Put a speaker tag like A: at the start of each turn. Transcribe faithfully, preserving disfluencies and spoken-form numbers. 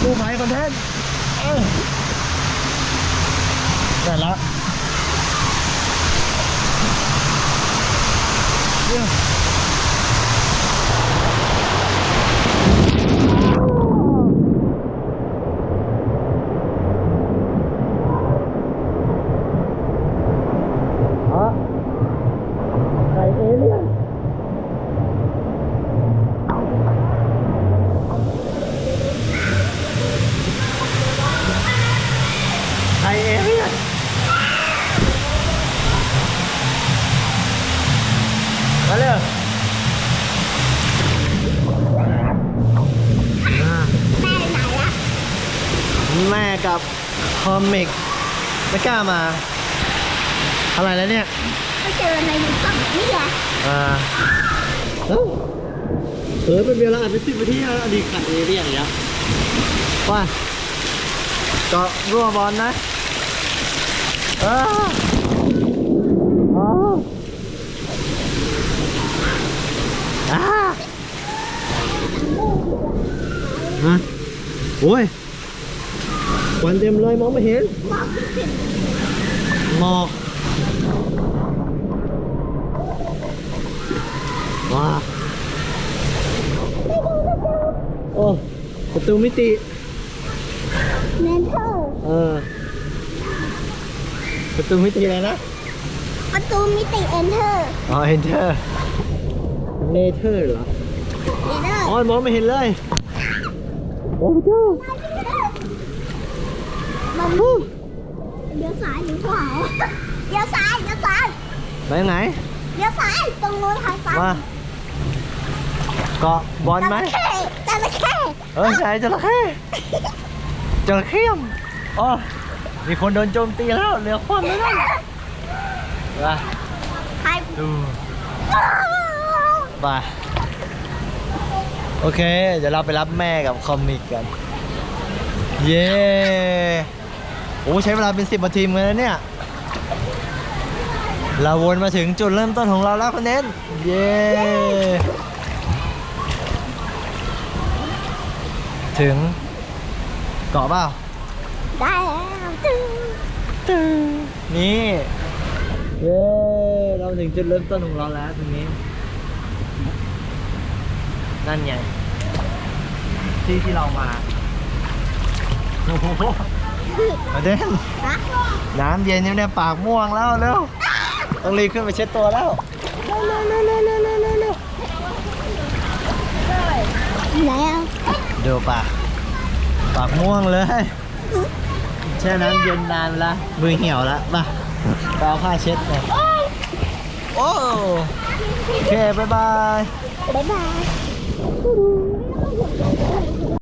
A: กู้ภัยคอนเทนต์ได้แล้วไข่เอเลี่ยนไข่เอเลี่ยนมาเลยแม่กับคอมิกไม่กล้ามาอะไรแล้วเนี่ย
B: ไม่เจอในยูทูบนี่แหละ
A: อ่าเออเออเป็นเวลาอ่านเป็นสิบนาทีแล้วอดีตขัดเอเรียอย่างเงี้ยว่าก็รัวบอลนะเอออ๋ออ่าฮะโอ้ยควันเต็มเลยมองไม่เห็นหมอกว้าโอ้ประตูมิติ
B: เมนเทอร์
A: เออประตูมิติอะไรนะ
B: ประตูมิติเอนเทอร์
A: อ๋อเอนเทอร์เนเธอร์เหรอ
B: เนเธอร์
A: อ๋อมองไม่เห็นเลยโอ้เจ้า
B: มันเลี้ยวซ้ายหรือขวาเลี้ยวซ้ายเลี้ยวซ้าย
A: ไปไหน
B: เลี้ยวซ้ายตรงนู้นทางซ้าย
A: มาเกาะบอลไหม
B: จระเข้
A: เออใช่จระเข้จระเข้อ๋อมีคนโดนโจมตีแล้วเหลือคว่ำแล้วนะมาดูมาโอเคเดี๋ยวเราไปรับแม่กับคอมิกกันเย้โอ้ใช้เวลาเป็นสิบนาทีเหมือนกันเนี่ยเราวนมาถึงจุดเริ่มต้นของเราแล้วคนเน้นเย้ถึงเกาะเปล่า
B: ได้แล้วตึ้ง
A: ตึ้งนี่เย้เราถึงจุดเริ่มต้นของเราแล้วตรงนี้นั่นไงที่ที่เรามาโอ้โหมาเด่นน้ำเย็นเนี่ยปากม่วงแล้วเร็วต้องรีบขึ้นไปเช็ดตัวแล้วเร็วเร็วเร็วเร็วเร็วเร็วเร็วเร็ว
B: แล้ว
A: ดูปากปากม่วงเลยแช่น้ำเย็นนานแล้วมือเหี่ยวแล้วมาไปเอาผ้าเช็ดเลยโอ้โอเคบายบาย
B: บ๊ายบาย